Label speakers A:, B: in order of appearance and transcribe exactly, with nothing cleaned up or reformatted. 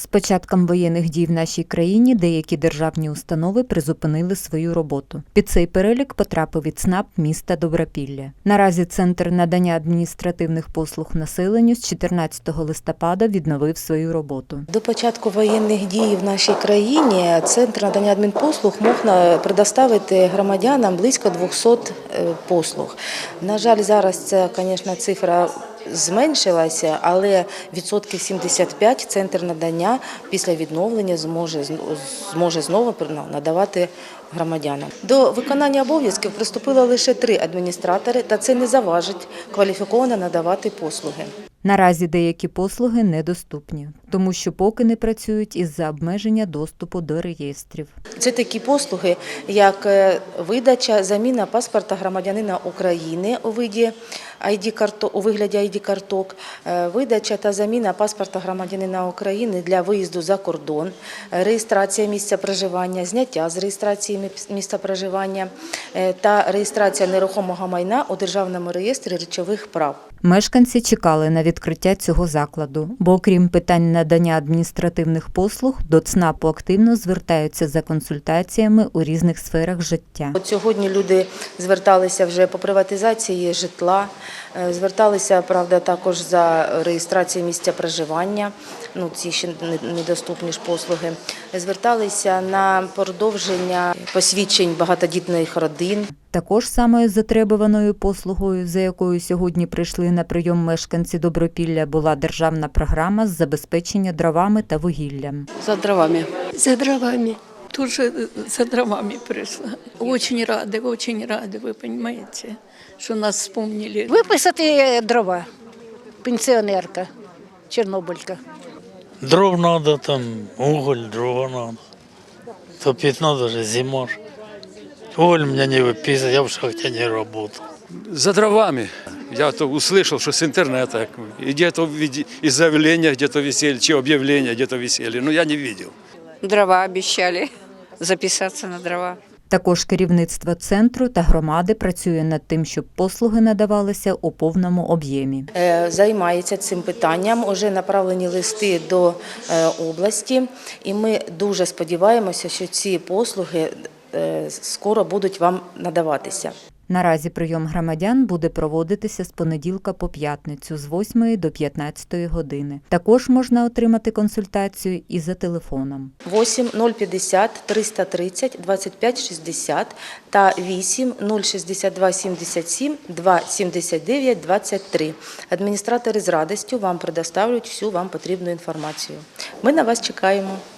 A: початком воєнних дій в нашій країні деякі державні установи призупинили свою роботу. Під цей перелік потрапив і ЦНАП міста Добропілля. Наразі Центр надання адміністративних послуг населенню з чотирнадцятого листопада відновив свою роботу.
B: До початку воєнних дій в нашій країні Центр надання адмінпослуг мог предоставити громадянам близько двохсот послуг. На жаль, зараз ця, звісно, цифра зменшилася, але відсотків сімдесят п'ять Центр надання після відновлення зможе, зможе знову надавати громадянам. До виконання обов'язків приступило лише три адміністратори, та це не заважить кваліфіковано надавати послуги.
A: Наразі деякі послуги недоступні, тому що поки не працюють із-за обмеження доступу до реєстрів.
B: Це такі послуги, як видача, заміна паспорта громадянина України у виді ай ді-карток, у вигляді ай ді-карток, видача та заміна паспорта громадянина України для виїзду за кордон, реєстрація місця проживання, зняття з реєстрації місця проживання та реєстрація нерухомого майна у Державному реєстрі речових прав.
A: Мешканці чекали на відкриття цього закладу, бо окрім питань надання адміністративних послуг, до ЦНАПу активно звертаються за консультаціями у різних сферах життя.
B: От сьогодні люди зверталися вже по приватизації житла, зверталися, правда, також за реєстрацією місця проживання, ну ці ще недоступні ж послуги, зверталися на продовження посвідчень багатодітних родин.
A: Також самою затребуваною послугою, за якою сьогодні прийшли на прийом мешканці Добропілля, була державна програма з забезпечення дровами та вугіллям.
C: За дровами.
D: За дровами. Тоже за дровами пришла. Очень рада, очень рада, ви розумієте, що нас вспомнили.
E: Виписати дрова, пенсіонерка, чорнобилька.
F: Дров надо, там уголь, дрова надо. Топить надо же, зима ж. Уголь меня не выписывает, я в шахте не работал.
G: За дровами. Я то услышал, что с интернета, где-то из заявления, где-то висели, чи объявления где-то висели, но я не видел.
C: Дрова обіцяли записатися на дрова.
A: Також керівництво центру та громади працює над тим, щоб послуги надавалися у повному об'ємі.
B: Займається цим питанням, вже направлені листи до області, і ми дуже сподіваємося, що ці послуги скоро будуть вам надаватися.
A: Наразі прийом громадян буде проводитися з понеділка по п'ятницю з восьмої до п'ятнадцятої години. Також можна отримати консультацію і за телефоном.
B: вісім нуль п'ятдесят триста тридцять двадцять п'ять шістдесят та вісім нуль шістдесят два сімдесят сім двадцять сімдесят дев'ять двадцять три. Адміністратори з радістю вам предоставлять всю вам потрібну інформацію. Ми на вас чекаємо.